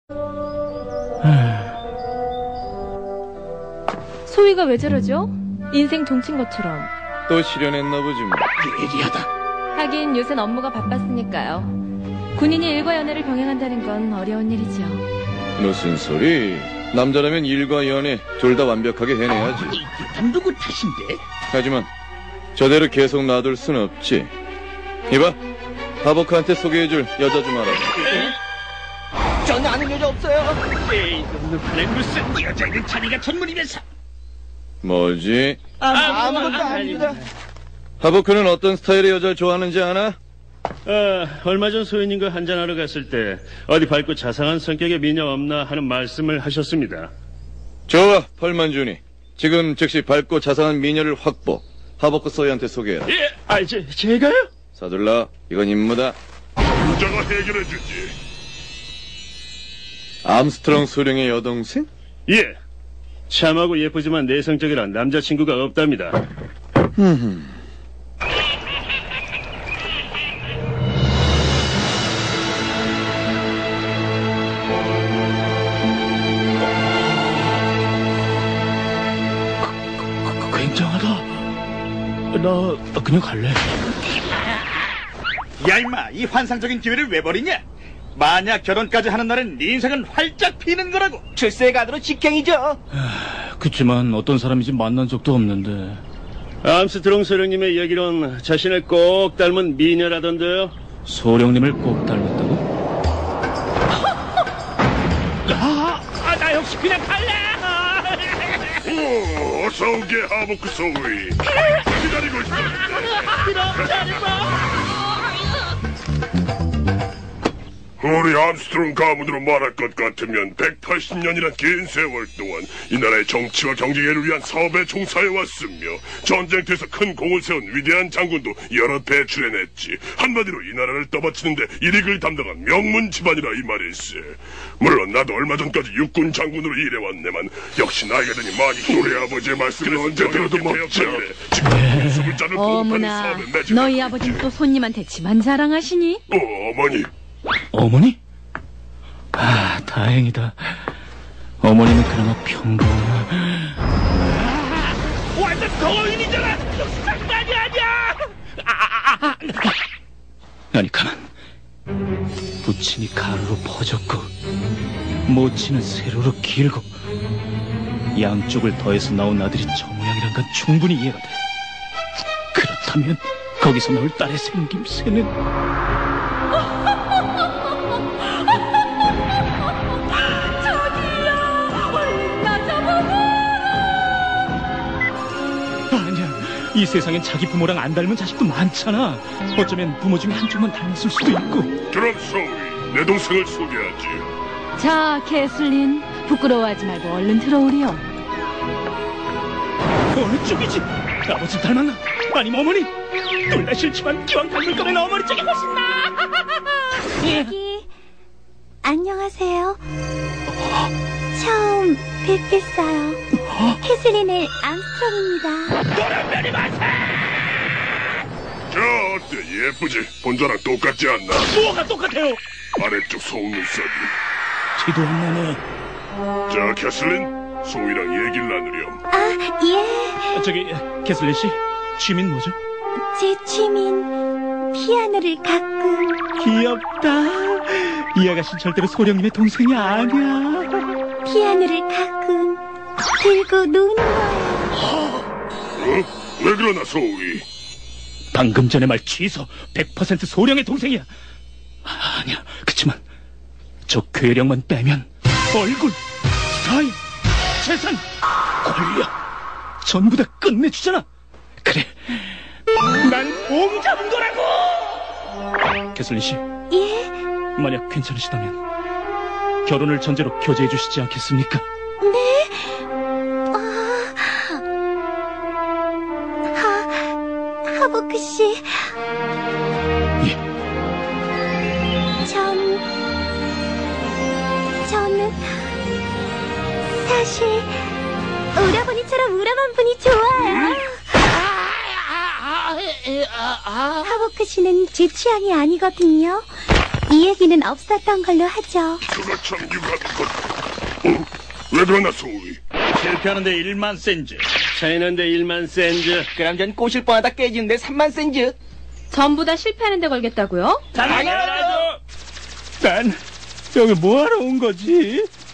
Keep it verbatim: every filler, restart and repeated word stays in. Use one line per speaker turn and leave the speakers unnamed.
소희가 왜 저러죠? 인생 종친 것처럼.
또 실현했나 보지 뭐.
예리하다.
하긴 요샌 업무가 바빴으니까요. 군인이 일과 연애를 병행한다는 건 어려운 일이죠.
무슨 소리? 남자라면 일과 연애 둘 다 완벽하게 해내야지.
아니, 일단 누구 탓인데?
하지만 저대로 계속 놔둘 순 없지. 이봐, 하버크한테 소개해줄 여자 좀 알아.
전혀 아는 여자 없어요. 에이, 놈놈한테 무슨 여자는 자네가 전문이면서.
뭐지?
아, 아무것도 아닙니다.
하버크는 어떤 스타일의 여자를 좋아하는지 아나?
아, 얼마 전 소연님과 한잔하러 갔을 때 어디 밝고 자상한 성격의 미녀 없나 하는 말씀을 하셨습니다.
좋아, 펄만준이. 지금 즉시 밝고 자상한 미녀를 확보. 하버크 소희한테 소개해라.
예, 아, 제, 제가요?
서둘러, 이건 임무다.
부자가 해결해주지.
암스트롱 소령의 여동생?
예. 참하고 예쁘지만 내성적이라 남자친구가 없답니다.
굉장하다. 나 그냥 갈래.
야 임마, 이 환상적인 기회를 왜 버리냐? 만약 결혼까지 하는 날은 네 인생은 활짝 피는 거라고. 출세가도로 직행이죠.
그치만 어떤 사람인지 만난 적도 없는데.
암스트롱 소령님의 얘기론 자신을 꼭 닮은 미녀라던데요.
소령님을 꼭 닮았다고?
아, 아, 나 역시 그냥 갈래!
오, 어서 오게 하버크 소위. 기다리고 있어. 우리 암스트롱 가문으로 말할 것 같으면 백팔십 년이란 긴 세월 동안 이 나라의 정치와 경제를 위한 사업에 종사해왔으며 전쟁터에서 큰 공을 세운 위대한 장군도 여러 배출해냈지. 한마디로 이 나라를 떠받치는데 일익을 담당한 명문 집안이라 이 말일세. 물론 나도 얼마 전까지 육군 장군으로 일해왔네만 역시 나이가 드니 많이 우리 아버지의 말씀을 언제 들어도 먹자. 지금 숨을 짜는
어머나,
사업에 매진.
너희 아버진 또 손님한테 집안 자랑하시니?
어, 어머니.
어머니? 아, 다행이다. 어머니는 그나마 평범하.
완전 거인이잖아! 역시 장난이 아니야! 아, 아, 아.
아니, 가만. 부친이 가루로 퍼졌고, 모치는 세로로 길고, 양쪽을 더해서 나온 아들이 저 모양이란 건 충분히 이해가 돼. 그렇다면, 거기서 나올 딸의 생김새는... 이 세상엔 자기 부모랑 안 닮은 자식도 많잖아. 어쩌면 부모 중에 한쪽만 닮았을 수도 있고.
그럼 소위, 내 동생을 소개하지.
자, 캐슬린, 부끄러워하지 말고 얼른 들어오렴.
어느 쪽이지? 아버지 닮았나? 아니면 어머니? 둘 다 싫지만 기왕 닮을 거면 어머니 쪽이 훨씬 나아.
여기 안녕하세요. 처음 뵙겠어요. 캐슬린의 암스트롱입니다.
노란별이 마세!
자, 어때? 예쁘지? 본자랑 똑같지 않나?
뭐가 똑같아요?
아래쪽 속눈썹이.
티도 안 나네.
자, 캐슬린, 소희랑 얘기를 나누렴.
아, 예.
저기, 캐슬린 씨, 취미는 뭐죠?
제 취미는 피아노를 가끔.
귀엽다. 이 아가씨는 절대로 소령님의 동생이 아니야.
피아노를 가끔 들고 노는 거예요.
어? 왜 그러나, 소희?
방금 전에 말 취소. 백 퍼센트 소령의 동생이야. 아, 아니야. 그치만 저 괴력만 빼면 얼굴, 스타일, 재산, 권력 전부 다 끝내주잖아. 그래, 난 공 잡은 거라고. 캐슬린 씨,
예?
만약 괜찮으시다면 결혼을 전제로 교제해 주시지 않겠습니까?
네? 아... 하... 하버크 씨.
예.
전... 저는... 사실... 오라버니처럼 우람한 분이 좋아요. 하버크 씨는 제 취향이 아니거든요. 이 얘기는 없었던 걸로 하죠.
그거 참 유감이군. 어? 왜 그러나 소위?
실패하는데 일만 센즈.
차이는데 일만 센즈.
그럼 전 꼬실 뻔하다 깨지는데 삼만 센즈.
전부 다 실패하는데 걸겠다고요?
당연하죠. 난 여기 뭐하러 온 거지?